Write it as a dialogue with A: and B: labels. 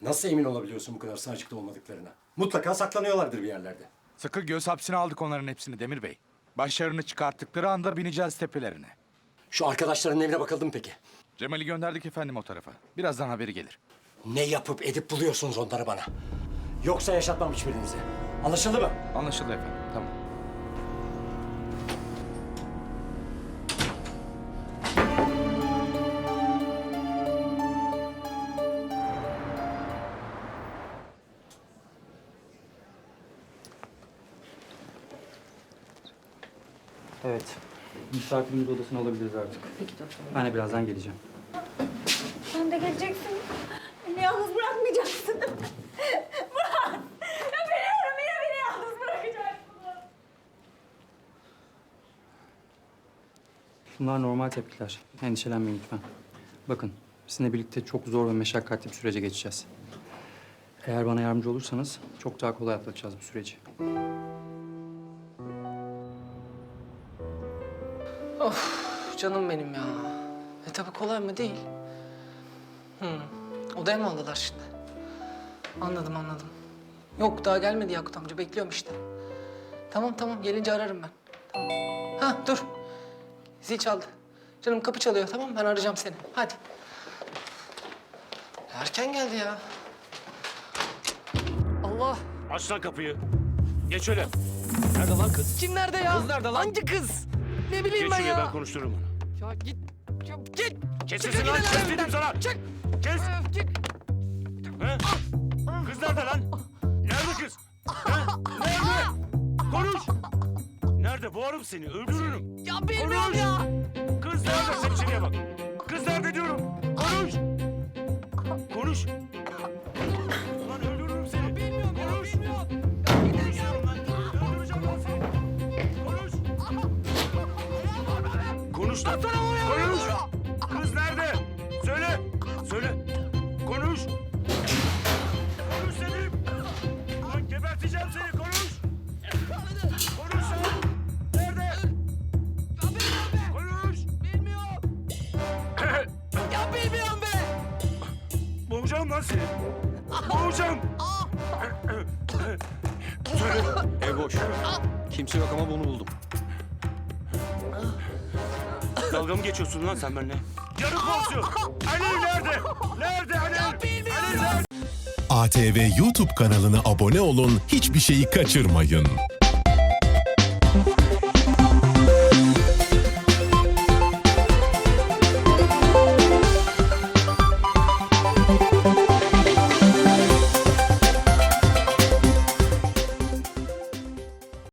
A: Nasıl emin olabiliyorsun bu kadar sağcıkta olmadıklarına? Mutlaka saklanıyorlardır bir yerlerde.
B: Sıkı göz hapsine aldık onların hepsini Demir Bey. Başlarını çıkarttıkları anda bineceğiz tepelerine.
A: Şu arkadaşların evine bakıldı mı peki?
B: Cemal'i gönderdik efendim o tarafa. Birazdan haberi gelir.
A: Ne yapıp edip buluyorsunuz onları bana? Yoksa yaşatmam hiçbirinizi. Anlaşıldı mı?
B: Anlaşıldı efendim, tamam.
C: Evet. Misafirimiz odasını alabiliriz artık.
D: Peki doktor.
C: Ben de birazdan geleceğim.
D: Sen de geleceksin. Beni yalnız bırakmayacaksın. Murat! Ya biliyorum yine beni yalnız bırakacaksın.
C: Bunlar normal tepkiler. Endişelenmeyin lütfen. Bakın, sizinle birlikte çok zor ve meşakkatli bir sürece geçeceğiz. Eğer bana yardımcı olursanız çok daha kolay atlatacağız bu süreci.
E: Canım benim ya. Tabii kolay mı değil. Odaya mı aldılar şimdi? Anladım. Yok daha gelmedi Yakut amca. Bekliyorum işte. Tamam. Gelince ararım ben. Tamam. Ha dur. Zil çaldı. Canım kapı çalıyor tamam mı? Ben arayacağım seni. Hadi. Erken geldi ya. Allah.
F: Aç lan kapıyı. Geç öyle. Nerede lan kız?
E: Kim nerede ya?
F: Kız nerede lan?
E: Hangi kız? Ne bileyim
F: Geç
E: ben
F: şuraya
E: ya.
F: ben konuştururum onu.
E: Ya git. Ya git.
F: Kes
E: Çık
F: sesini lan.
E: gidin
F: Kes
E: evimden.
F: dedim sana.
E: Çık.
F: Kes.
E: Çık.
F: He? Kız nerede lan? Nerede kız? He? Nerede? Konuş. Nerede? Boğarım seni. Öldürürüm.
E: Ya bilmiyorum ya.
F: Kız nerede? Sen içeriye bak. Kız nerede diyorum. Konuş. Konuş. Ulan öldürürüm seni.
E: Bilmiyorum ya.
F: Konuş.
E: Bilmiyorum.
F: Konuş diyorum lan. Öldüreceğim lan seni. Konuş. Konuş lan. Konuş. Kız nerede? Söyle. Konuş. Konuş dedim. Lan geberteceğim seni. Konuş. Konuş lan. Nerede? Konuş.
E: Bilmiyorum. Ya bilmiyorum be.
F: Boğacağım lan seni. Boğacağım. Söyle.
G: Ev boş. Kimse yok ama bunu buldum.
F: Dalga mı geçiyorsun lan sen benimle? Yarın pozisyon. Alev nerede? Nerede Alev? Alev nerede?
H: ATV YouTube kanalına abone olun, hiçbir şeyi kaçırmayın.